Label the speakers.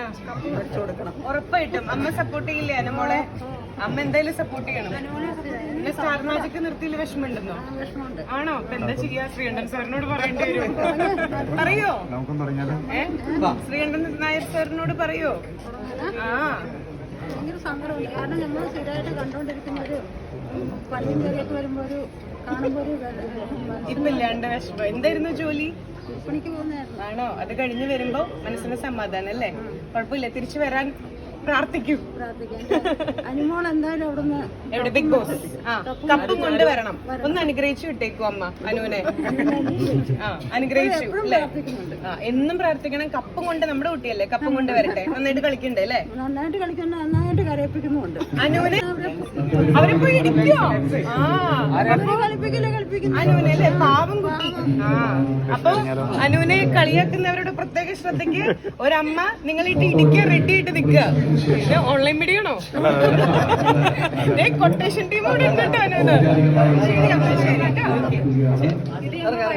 Speaker 1: ഉറപ്പായിട്ടും അമ്മ സപ്പോർട്ട് ചെയ്യില്ലേ അനുമോളെ? അമ്മ എന്തായാലും സപ്പോർട്ട് ചെയ്യണം. പിന്നെ സ്റ്റാർ മാജിക് നിർത്തിയിൽ വിഷമമുണ്ടെന്നോ? ആണോ? ഇപ്പൊ എന്താ ചെയ്യാ? ശ്രീകണ്ഠൻ സാറിനോട് പറയേണ്ടി വരും. പറയോ? ശ്രീകണ്ഠൻ നായർ സാറിനോട് പറയോ?
Speaker 2: ഭയങ്കര സങ്കടമുണ്ട്. കാരണം നമ്മൾ സ്ഥിരമായിട്ട് കണ്ടോണ്ടിരിക്കുന്ന ഒരു പള്ളിയും കറിയൊക്കെ വരുമ്പോ ഒരു കാണുമ്പോ ഒരു
Speaker 1: ഇപ്പൊ ഇല്ലാണ്ട് വിഷമം. എന്തായിരുന്നു ജോലി?
Speaker 2: പണിക്ക് പോകുന്നതായിരുന്നു.
Speaker 1: ആണോ? അത് കഴിഞ്ഞ് വരുമ്പോ മനസ്സിന് സമാധാനം അല്ലേ? കുഴപ്പമില്ല, തിരിച്ചു വരാൻ പ്രാർത്ഥിക്കും.
Speaker 2: അനുമോൾ എന്തായാലും അവിടുന്ന്
Speaker 1: എവിടെ? Bigg Boss. കപ്പും കൊണ്ടുവരണം. ഒന്ന് അനുഗ്രഹിച്ചു വിട്ടേക്കും അമ്മ അനുവിനെ. അനുഗ്രഹിച്ചു അല്ലേ? എന്നും പ്രാർത്ഥിക്കണം. കപ്പും കൊണ്ട്, നമ്മുടെ കുട്ടിയല്ലേ, കപ്പും കൊണ്ട് വരട്ടെ. നന്നായിട്ട് കളിക്കണ്ടേ അല്ലേ?
Speaker 2: നന്നായിട്ട് കളിക്കുന്ന, നന്നായിട്ട് കരയിപ്പിക്കുന്നുണ്ട്
Speaker 1: അനുവിനെ. അവരിപ്പോ ഇടിക്കോ? അനുവിനെ അല്ലേ? പാവം കുട്ടി. അപ്പൊ അനുവിനെ കളിയാക്കുന്നവരുടെ പ്രത്യേക ശ്രദ്ധയ്ക്ക് ഒരമ്മ നിങ്ങളിട്ട് ഇടിക്കുക, റെഡി ആയിട്ട് നിൽക്കുക. ഓൺലൈൻ മീഡിയ ആണോ? കൊട്ടേഷൻ ടീം കൂടെ ഉണ്ട് കേട്ടോ അനുവിന്. ശരി അമ്മ, ശരി കേട്ടോ.